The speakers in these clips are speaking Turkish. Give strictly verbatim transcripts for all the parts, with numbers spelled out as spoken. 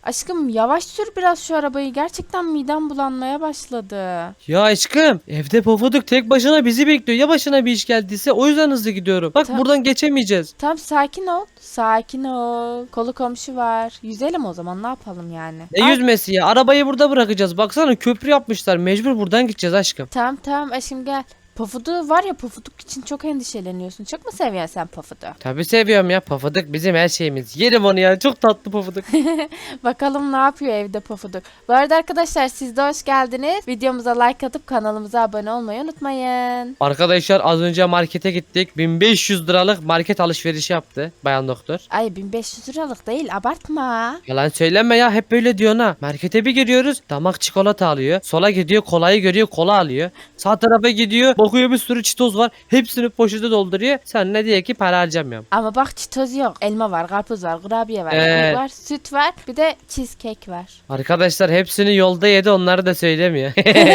Aşkım yavaş sür biraz şu arabayı. Gerçekten midem bulanmaya başladı. Ya aşkım evde Pofuduk tek başına bizi bekliyor. Ya başına bir iş geldiyse o yüzden hızlı gidiyorum. Bak Ta- buradan geçemeyeceğiz. Tamam sakin ol. Sakin ol. Kolu komşu var. Yüzelim o zaman ne yapalım yani. Ne Ay, yüzmesi ya? Arabayı burada bırakacağız. Baksana köprü yapmışlar. Mecbur buradan gideceğiz aşkım. tamam tamam aşkım gel. Pafudu var ya Pafuduk için çok endişeleniyorsun. Çok mu seviyorsun sen Pafudu? Tabii seviyorum ya. Pofuduk bizim her şeyimiz. Yerim onu ya. Çok tatlı Pofuduk. Bakalım ne yapıyor evde Pafuduk. Bu arada arkadaşlar siz de hoş geldiniz. Videomuza like atıp kanalımıza abone olmayı unutmayın. Arkadaşlar az önce markete gittik. bin beş yüz liralık market alışverişi yaptı bayan doktor. Ay bin beş yüz liralık değil abartma. Yalan söyleme ya, hep böyle diyorsun ha. Markete bir giriyoruz, damak çikolata alıyor. Sola gidiyor, kolayı görüyor, kola alıyor. Sağ tarafa gidiyor, bakıyor bir sürü çitoz var. Hepsini poşete dolduruyor. Sen ne diye ki para harcamıyorum. Ama bak çitoz yok. Elma var, karpuz var, kurabiye var, Evet. ekmek var, süt var. Bir de cheesecake var. Arkadaşlar hepsini yolda yedi, onları da söylemiyor.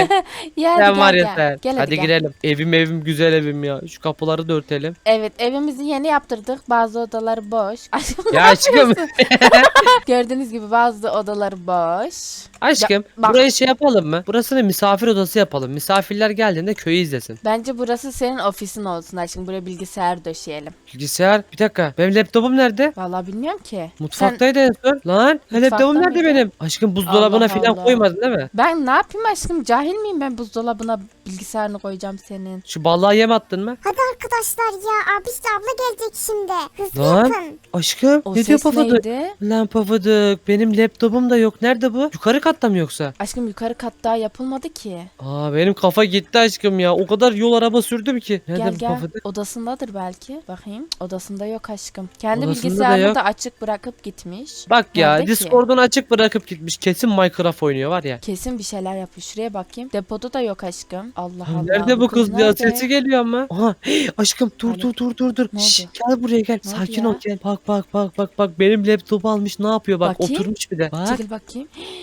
Ya hadi Sen gel, var ya gel. sen. Gel hadi gel. girelim. Evim evim güzel evim ya. Şu kapıları da örtelim. Evet evimizi yeni yaptırdık. Bazı odaları boş. Aşkım ne Ya aşkım. yapıyorsun? Gördüğünüz gibi bazı odaları boş. Aşkım Ya, bak. burayı şey yapalım mı? Burasını misafir odası yapalım. Misafirler geldiğinde köyü izlesin. Bence burası senin ofisin olsun aşkım. Buraya bilgisayar döşeyelim. Bilgisayar. Bir dakika. Benim laptopum nerede? Vallahi bilmiyorum ki. Mutfaktaydı en son. Lan Mutfakta laptopum nerede mıydı? benim? Aşkım buzdolabına Allah falan Allah. koymadın değil mi? Ben ne yapayım aşkım? Cahil miyim ben buzdolabına bilgisayarını koyacağım senin? Şu balığa yem attın mı? Hadi arkadaşlar ya abisi abla gelecek şimdi. Hızlı Lan. yapın. Aşkım O ne diyor ses Pafuduk? neydi? Lan Pafuduk benim laptopum da yok. Nerede bu? Yukarı katta mı yoksa? Aşkım yukarı kat daha yapılmadı ki. Aa benim kafa gitti aşkım ya. O kadar yol araba sürdüm ki. Nerede Gel bu gel. Pafuduk? Odasındadır belki. Bakayım. Odasında yok aşkım. Kendi Odasında da bilgisayarını yok. da açık bırakıp gitmiş. Bak ya Nerede ki? Discord'unu açık bırakıp gitmiş. Kesin Minecraft oynuyor var ya. Kesin bir şeyler yapıyor. Şuraya bakayım. Depoda da yok aşkım. Allah Allah. Nerede bu kız ya? nerede? Sesi geliyor ama. Aha hey, aşkım dur Alo. dur dur dur dur. Ne Şşş, oldu? gel buraya gel. Ne oldu Sakin ya? ol gel. Bak bak bak bak bak benim laptopu almış ne yapıyor bak Bakayım. oturmuş bir de. Bak. Çekil bakayım.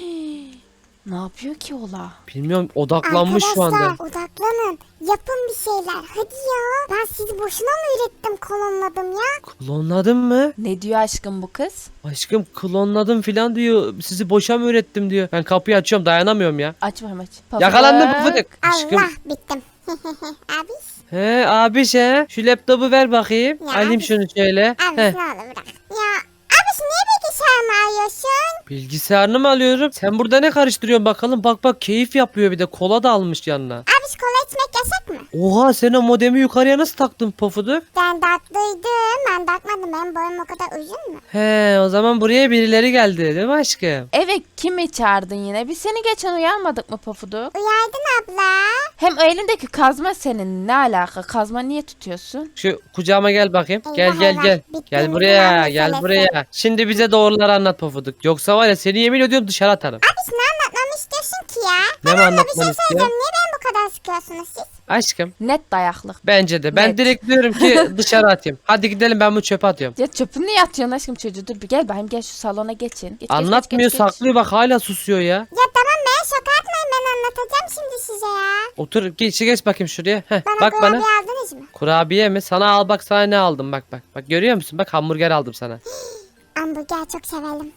Ne yapıyor ki ola? Bilmiyorum odaklanmış şu anda. Arkadaşlar odaklanın. Yapın bir şeyler. Hadi ya. Ben sizi boşuna mı ürettim kolonladım ya? Klonladın mı? Ne diyor aşkım bu kız? Aşkım klonladım filan diyor. Sizi boşa mı öğrettim diyor. Ben kapıyı açıyorum dayanamıyorum ya. Aç bakayım aç. Yakalandım Pafuduk. Pufuduk. Aşkım. Allah bittim. Abi. He abi şey. Şu laptopu ver bakayım. Ya Alayım abi. şunu şöyle. Abi He. ne olur bırak. Ya abi niye bilgisayarımı alıyorsun? Bilgisayarını mı alıyorum? Sen burada ne karıştırıyorsun bakalım. Bak bak keyif yapıyor bir de. Kola da almış yanına. Abi kola içmek yasak mı? Oha sen o modemi yukarıya nasıl taktın Pofuduk? Ben tatlıydım. Ben takmadım. Benim boyum o kadar uzun mu? He o zaman buraya birileri geldi değil mi aşkım? Evet kimi çağırdın yine? Biz seni geçen uyarmadık mı Pafuduk? Uyardın abla. Hem o elindeki kazma senin ne alaka? Kazma niye tutuyorsun? Şu kucağıma gel bakayım. Gel Eyvah, gel eyvah. gel. Bitti Gel mi buraya plan gel meselesi? buraya. Şimdi bize doğruları anlat Pofuduk. Yoksa var ya seni yemin ediyorum dışarı atarım. Abi ne anlatmamı istiyorsun ki ya? Ne mi Abla bir anlatmanı şey istiyor? söyleyeceğim. Niye beni bu kadar sıkıyorsunuz siz? Aşkım Net dayaklık. bence de. Ben Net. direkt diyorum ki dışarı atayım. Hadi gidelim ben bu çöpe atıyorum. Ya çöpünü niye atıyorsun aşkım çocuğu? Dur bir gel bakayım gel şu salona geçin. Geç, geç, Anlatmıyor geç, geç, geç. saklıyor bak hala susuyor ya. Ya tamam ben şaka atmayın ben anlatacağım şimdi size ya. Otur geç, geç bakayım şuraya. Heh, Bana bak bana. kurabiye aldınız mı? Kurabiye mi? Sana al bak sana ne aldım bak bak. Bak görüyor musun? Bak hamburger aldım sana. Hamburger çok severim.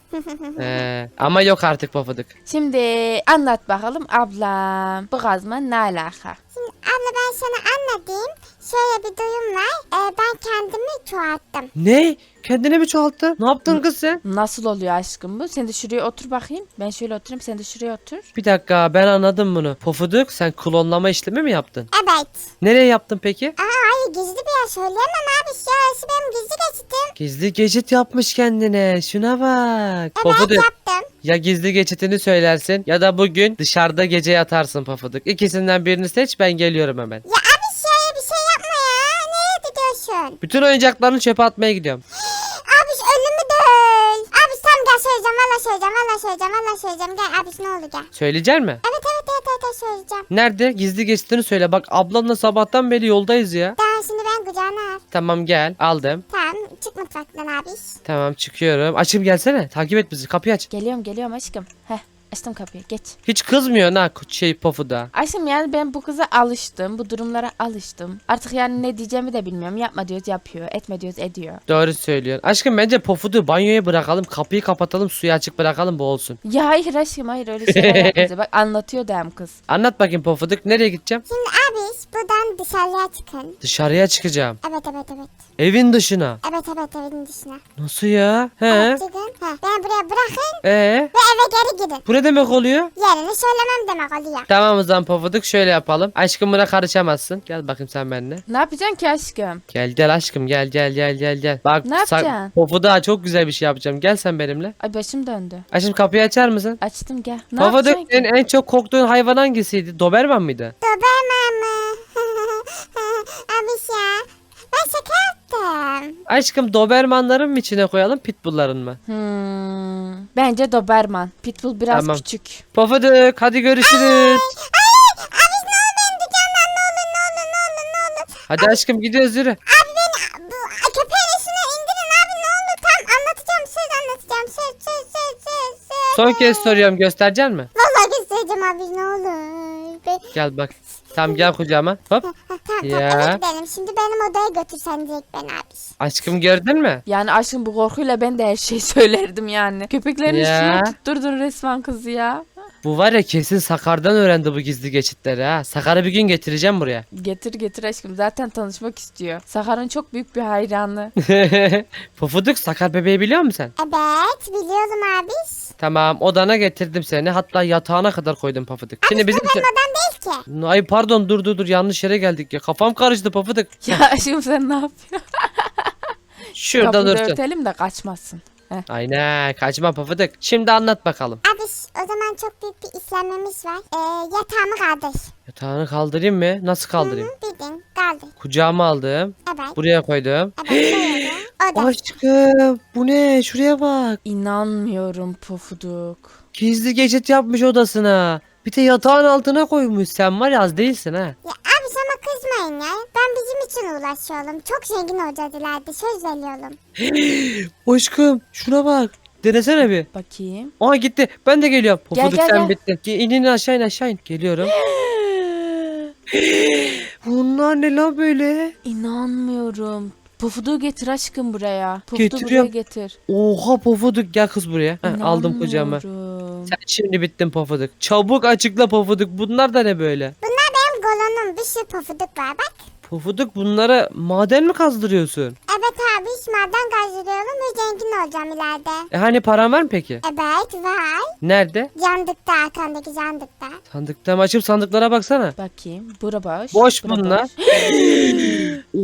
Ee, ama yok artık Pofuduk. Şimdi anlat bakalım ablam. Bu kazma ne alaka? Şimdi abla ben sana anlatayım. Şöyle bir durum var. Ee, ben kendimi çoğalttım. Ne? Kendine mi çoğalttın? Ne yaptın kız sen? Nasıl oluyor aşkım bu? Sen de şuraya otur bakayım. Ben şöyle oturayım sen de şuraya otur. Bir dakika ben anladım bunu. Pofuduk sen klonlama işlemi mi yaptın? Evet. Nereye yaptın peki? Aa hayır gizli bir yer söyleyemem abi. Şurası benim gizli geçitim. Gizli geçit yapmış kendine. Şuna bak. Evet Pofuduk yaptım. ya gizli geçitini söylersin ya da bugün dışarıda gece yatarsın Pofuduk. İkisinden birini seç ben geliyorum hemen. Ya abi şöyle bir şey yapma ya. Nereye gidiyorsun? Bütün oyuncaklarını çöpe atmaya gidiyorum. Abi ölümü değil. Abi tam gel söyleyeceğim. Valla söyleyeceğim. Valla söyleyeceğim. Valla söyleyeceğim. Gel abi ne oldu gel. Söyleyecek mi? Evet evet evet evet, evet söyleyeceğim. Nerede? Gizli geçitini söyle. Bak ablamla sabahtan beri yoldayız ya. Daha şimdi ben kucağına al. Tamam gel aldım. Tamam çık mutfaktan abi. Tamam çıkıyorum. Açım gelsene. Takip et bizi. Kapıyı aç. Geliyorum geliyorum aşkım. Heh Açtım kapıyı geç. Hiç kızmıyor ha şey Pofuduk'a. Aşkım yani ben bu kıza alıştım. Bu durumlara alıştım. Artık yani ne diyeceğimi de bilmiyorum. Yapma diyoruz yapıyor. Etme diyoruz ediyor. Doğru söylüyorsun. Aşkım bence Pofuduk'u banyoya bırakalım. Kapıyı kapatalım. Suyu açık bırakalım boğulsun. Ya hayır aşkım hayır öyle şeyler yapmayacağız. Bak anlatıyor da hem kız. Anlat bakayım Pofuduk. Nereye gideceğim? Şimdi abi buradan dışarıya çıkın. Dışarıya çıkacağım. Evet evet evet. Evin dışına. Evet evet evin dışına. Nasıl ya? He? Evet çıkın. He. Beni buraya bırakın Ee? ve eve geri gidin. Bu ne demek oluyor? Yerini söylemem demek oluyor. Tamam o zaman Pofuduk şöyle yapalım. Aşkım buna karışamazsın. Gel bakayım sen benimle. Ne yapacaksın ki aşkım? Gel gel aşkım gel gel gel gel gel. Bak Ne yapacaksın? Pofuduk'a çok güzel bir şey yapacağım. Gel sen benimle. Ay başım döndü. Aşkım kapıyı açar mısın? Açtım gel. Ne Pofuduk yapacaksın ki? senin en çok korktuğun hayvan hangisiydi? Doberman mıydı? Doberman mı? Abi ya. Ben şaka yaptım. Aşkım Dobermanların mı içine koyalım Pitbull'ların mı? Hmm, bence Doberman. Pitbull biraz Tamam. küçük. Pofuduk hadi görüşürüz. Abi ne olur beni dükkandan ne olur ne olur ne olur ne olur. Hadi aşkım gidiyoruz yürü. Abi beni bu köpeğin üstüne indirin abi ne olur. Tam anlatacağım söz anlatacağım söz söz söz söz söz. Son kez soruyorum göstereceksin mi? Vallahi göstereceğim abi ne olur. Be Gel bak. Tamam gel kucağıma. Hop. ha, tamam Ya. tamam eve gidelim. Şimdi benim odaya götürsen direkt beni abi. Aşkım gördün mü? Yani aşkım bu korkuyla ben de her şeyi söylerdim yani. Köpeklerin Ya. üstüne tutturdun resmen kızı ya. Bu var ya kesin Sakar'dan öğrendi bu gizli geçitleri ha. Sakar'ı bir gün getireceğim buraya. Getir getir aşkım zaten tanışmak istiyor. Sakar'ın çok büyük bir hayranı. Pofuduk Sakar bebeği biliyor musun sen? Evet biliyorum abi. Tamam odana getirdim seni. Hatta yatağına kadar koydum Pofuduk. Şimdi bizim... Benim odam değil ki. Ay pardon dur dur dur yanlış yere geldik ya. Kafam karıştı Pofuduk. Ya aşkım sen ne yapıyorsun? Şurada Kapıyı da dursun. örtelim de kaçmasın. Heh. Aynen kaçma Pofuduk. Şimdi anlat bakalım. Abi o zaman çok büyük bir işlemimiz var. Ee, yatağımı kaldır. Yatağını kaldırayım mı? Nasıl kaldırayım? Bildin kaldır. Kucağıma aldım. Evet. Buraya koydum. Evet böyle. O da. Aşkım bu ne? Şuraya bak. İnanmıyorum Pofuduk. Gizli geçit yapmış odasına. Bir de yatağın altına koymuş. Sen var ya az değilsin ha. Ya abi sana kızmayın ya. Ben bizim için uğraşıyorum. Çok zengin olacağız ileride. Söz veriyorum. Aşkım şuna bak. Denesene bir. Bakayım. Aa gitti. Ben de geliyorum. Gel, Pofuduk gel, sen gel. bittin. Ge- İn in aşağı in aşağı in. Geliyorum. Bunlar ne lan böyle? İnanmıyorum. Pofuduk'u getir aşkım buraya. Pofuduk'u buraya Getiriyorum. getir. Oha Pofuduk gel kız buraya. Heh, aldım kucağıma. İnanmıyorum. Sen şimdi bittin Pofuduk. Çabuk açıkla Pofuduk. Bunlar da ne böyle? Bunlar benim golonum. Bir sürü pofuduk var bak. Pofuduk bunlara maden mi kazdırıyorsun? Evet abi maden kazdırıyorum ve zengin olacağım ileride. E hani paran var mı peki? Evet var. Nerede? Candıkta arkandaki candıkta. Sandıkta mı açıp sandıklara baksana. Bakayım. Bura boş. Boş bura bunlar. boş. Oo,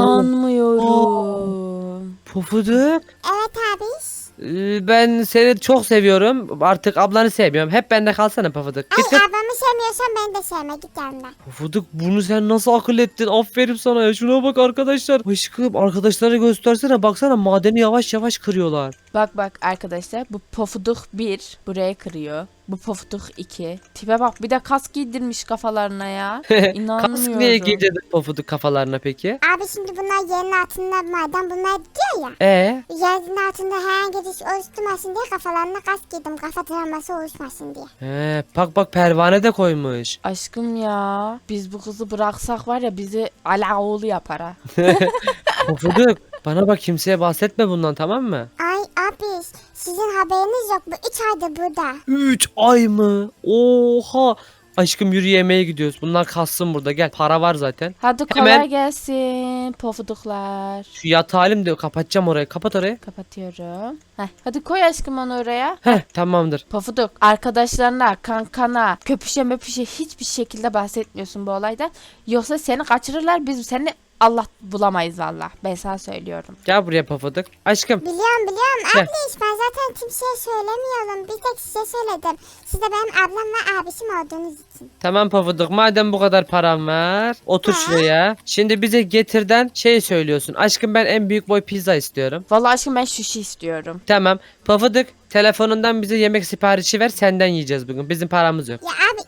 İnanmıyorum. Pofuduk. Evet abi. Ee, Ben seni çok seviyorum. Artık ablanı sevmiyorum. Hep bende kalsana Pofuduk. Ay Git git. ablamı sevmiyorsan beni de sevme git yanına. Pofuduk bunu sen nasıl akıl ettin? Aferin sana ya. Şuna bak arkadaşlar. Aşkım arkadaşlara göstersene. Baksana madeni yavaş yavaş kırıyorlar. Bak bak arkadaşlar bu Pofuduk bir buraya kırıyor. Bu Pofuduk iki. Tipe bak bir de kask giydirmiş kafalarına ya. İnanmıyorum. Kask niye giydirdin Pofuduk kafalarına peki? Abi şimdi bunlar yerin altında maden bunlar gidiyor ya. Ee? Yerin altında herhangi bir şey oluşturmasın diye kafalarına kask giydim. Kafa travması oluşmasın diye. He, bak bak pervane de koymuş. Aşkım ya biz bu kızı bıraksak var ya bizi ala oğlu yapar ha. Pofuduk bana bak kimseye bahsetme bundan tamam mı? Ay abi sizin haberiniz yok. Bu üç aydır burada. üç ay mı? Oha. Aşkım yürü yemeğe gidiyoruz. Bunlar kalsın burada gel. Para var zaten. Hadi kolay Hemen- gelsin Pofuduklar. Şu yatağı alayım da kapatacağım orayı. Kapat orayı. Kapatıyorum. Heh, hadi koy aşkım onu oraya. Heh tamamdır. Pofuduk arkadaşlarına, kankana, köpüşe möpüşe hiçbir şekilde bahsetmiyorsun bu olaydan. Yoksa seni kaçırırlar biz seni Allah bulamayız valla. Ben sana söylüyorum. Gel buraya Pofuduk. Aşkım. Biliyorum biliyorum. Gel. Abla ben zaten kimseye söylemiyorum. Bir tek size söyledim. Siz de benim ablam ve abişim olduğunuz için. Tamam Pofuduk madem bu kadar param var. Otur Ha. şuraya. Şimdi bize getirden şey söylüyorsun. Aşkım ben en büyük boy pizza istiyorum. Valla aşkım ben sushi istiyorum. Tamam. Pofuduk telefonundan bize yemek siparişi ver. Senden yiyeceğiz bugün. Bizim paramız yok. Ya abi istedim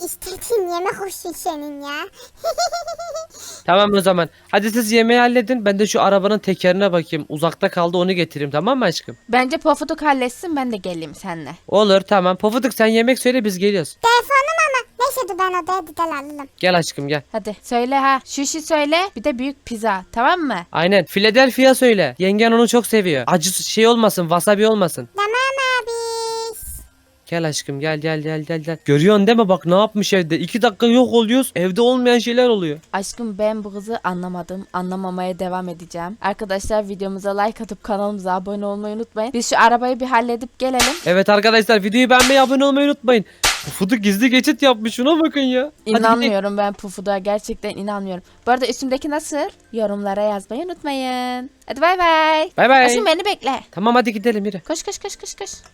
Tim yemek olsun senin ya. Tamam o zaman. Hadi siz yemeği halledin. Ben de şu arabanın tekerine bakayım. Uzakta kaldı, onu getireyim, tamam mı aşkım? Bence Pofuduk halletsin, ben de geleyim seninle. Olur, tamam. Pofuduk sen yemek söyle, biz geliyoruz. Telefonum ama. Neyse dur ben odaya gidelim alalım. Gel aşkım gel. Hadi söyle ha. Şuşi söyle, bir de büyük pizza, tamam mı? Aynen. Philadelphia söyle. Yengen onu çok seviyor. Acı şey olmasın, wasabi olmasın. Tamam abi. Gel aşkım gel gel gel gel gel. Görüyorsun değil mi, bak ne yapmış evde. İki dakika yok oluyoruz. Evde olmayan şeyler oluyor. Aşkım ben bu kızı anlamadım. Anlamamaya devam edeceğim. Arkadaşlar videomuza like atıp kanalımıza abone olmayı unutmayın. Biz şu arabayı bir halledip gelelim. Evet arkadaşlar, videoyu beğenmeyi, abone olmayı unutmayın. Pufuduk gizli geçit yapmış, şuna bakın ya. Hadi gidelim. İnanmıyorum ben Pufuduk'a, gerçekten inanmıyorum. Bu arada üstümdeki nasıl? Yorumlara yazmayı unutmayın. Hadi bay bay. Bay bay. Aşkım beni bekle. Tamam hadi gidelim yürü. Koş koş koş koş koş.